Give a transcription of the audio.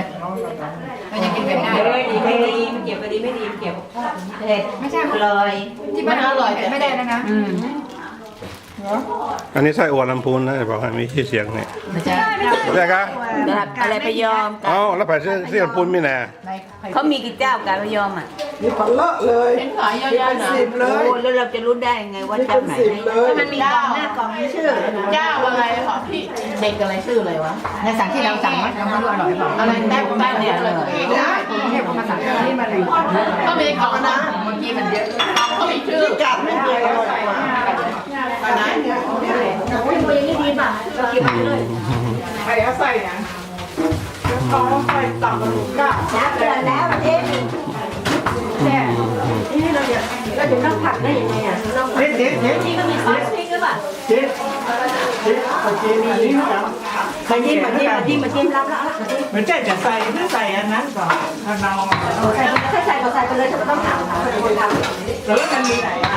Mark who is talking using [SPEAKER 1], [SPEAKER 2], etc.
[SPEAKER 1] มันยังกินเผ็ดได้
[SPEAKER 2] ดีไม่ดีเก็บไปดีไม่ดีเก็บเผ็ด
[SPEAKER 1] ไม่ใช่
[SPEAKER 2] อร่อย
[SPEAKER 1] ที่บ้านอร่อยแต่ไม่ได้แล้วนะ
[SPEAKER 3] อันนี้ไส้อั่วลำพูนนะบอกให้มีชื่อเสียงเนี่ย
[SPEAKER 1] ไม่ใช่
[SPEAKER 3] ใช่ครับ
[SPEAKER 2] อะไรไปยอม
[SPEAKER 3] เอ้าแล้วไปเสียลำพูนมีแน่
[SPEAKER 2] เขามีกี่เจ้าการไปยอมอ่ะ
[SPEAKER 4] มีผันเลอะเลย
[SPEAKER 1] เป็นขายเยอะๆนะ
[SPEAKER 4] สิบเล
[SPEAKER 2] โอ้
[SPEAKER 4] ย
[SPEAKER 2] แล้วเราจะรู้ได้ไงว่า
[SPEAKER 4] มี
[SPEAKER 2] เจ้า
[SPEAKER 4] เป็น
[SPEAKER 2] ไหน
[SPEAKER 4] สิบเลย
[SPEAKER 2] มันมีกล่องหน้ากล่องมีชื่อ
[SPEAKER 1] เจ้าอะไรของพี่เด็กอะไรชื่ออะไรวะในสั่งที่เราสั่งมันไม่รู้อร่อยเปล่าอะไรแต้มบ้านเนี่ยเลยเทพเขามาสั่งที่มาเลยก็มีกล่องนะเมื่อกี้มันเยอะเขามีชื่อ
[SPEAKER 4] ที่กัดไม่เคยอร่อยกว่าอันไหนเนี่ย
[SPEAKER 1] ใครเอาใส่นะเขาใส่ตับกระดูกก้า
[SPEAKER 2] น้ำเดือดแล้วเอ๊ะ
[SPEAKER 1] เราจะต้องผัดได้ยังไงอ่ะ
[SPEAKER 4] เด็ดเด็ดเด็ด
[SPEAKER 2] นี่ก็มีซอสพริกหรือเปล่า
[SPEAKER 4] เด็ดเด็ดปลาจีนอันนี้ครับ
[SPEAKER 2] มาจิ้มรับแล้ว
[SPEAKER 4] มันจะใส่หรือใส่อันนั้นก่อนถ้าเรา
[SPEAKER 2] ถ้าใส่ก็ใส่ไปเลยฉันก็ต้องถามคนทำ
[SPEAKER 4] แล้วมันมี